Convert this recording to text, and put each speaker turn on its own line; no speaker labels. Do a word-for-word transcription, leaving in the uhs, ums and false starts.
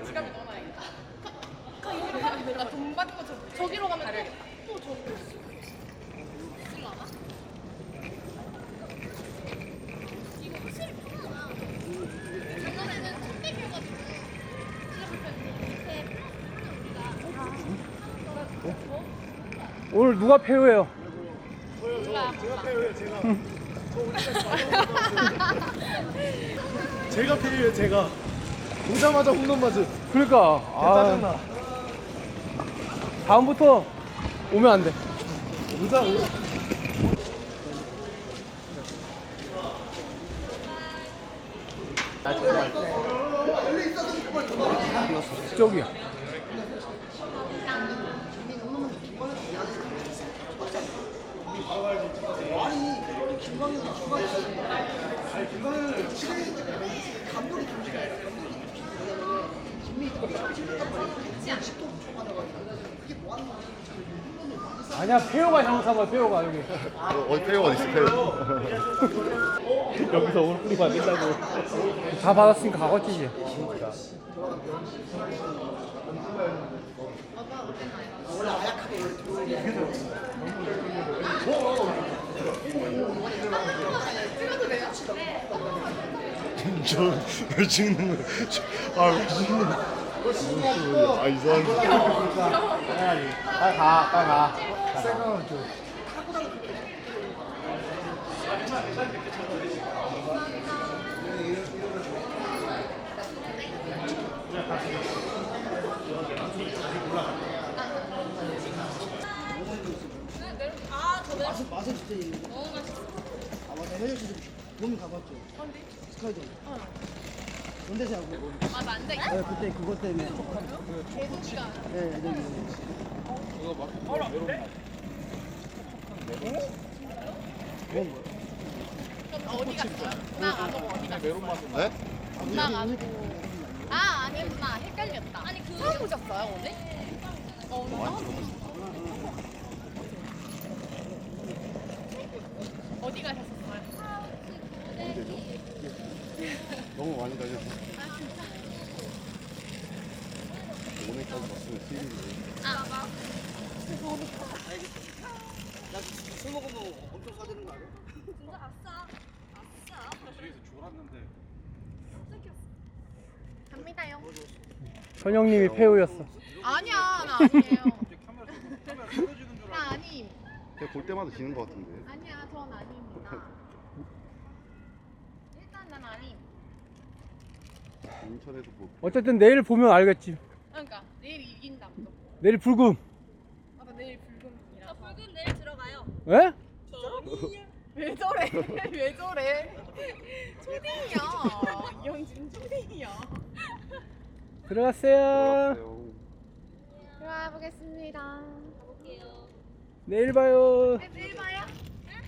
지갑에 넣어놔야겠다. 여기로 가면 되나? 돈 받는 거 저, 저기로 가면 되겠다. 또 저기로 있을라나? 이거 확실히 편하다. 작년에는 천백이어가지고 진짜 불편했는데 우리가
오늘 누가 페어예요?
몰라.
제가 패요요 제가. 저 오늘까지 제가 패요요 제가. 오자마자 홈런 맞은.
그러니까
짜증나.
아, 다음부터 오면 안 돼.
오자 오.
저기야. 아니야, 페어가 잘못한 거야, 페어가 여기.
어디 페어 어디 있어 페어?
여기서 오늘 뿌리고 안 된다고. 다 받았으니까 가겠지 이제.
저왜 찍는 거야? 아왜 찍는 거야? 아 이상한.
빨리 가, 빨리 가.
맛은 맛은 진짜 있는데.
너무 맛있어.
아 맞아 해외에서 보면 가봤죠.
어디?
스카이도.
어.
원대시하고.
아, 만데?
네 그때 그것 때문에 촉한.
개소리가.
네 애들이. 그런 거.
그럼 어디 갔어요? 나 안 오고 어디 갔어요?
네?
나 안 오고. 아, 아니구나. 헷갈렸다. 아니, 그. 처음 오셨어요, 오늘? 어, 오늘 처음 오셨어요. 어디 가셨었어요?
너무 많이 다녀서
아, 진짜?
오늘까지 봤으면 수익인데.
아, 나.
술 먹으면 엄청 싸지는 거 아니야?
진짜 아싸. 아싸.
뒤에서 졸았는데.
갑니다요.
선영님이 페어였어.
아니야, 나 아니에요. 나 아님.
제가 볼 때마다 지는 것 같은데.
아니야, 전 아닙니다. 일단 난 아님.
인천에서 뭐
어쨌든 내일 보면 알겠지.
그러니까 내일 이긴다 또.
내일 불금.
아, 나 내일 불금이라. 저 불금 내일 들어가요.
에?
왜 저래? 왜 저래? 초딩이야. 이현진 초딩이야.
들어갔어요.
들어가 보겠습니다. 가볼게요.
내일 봐요.
내일 봐요.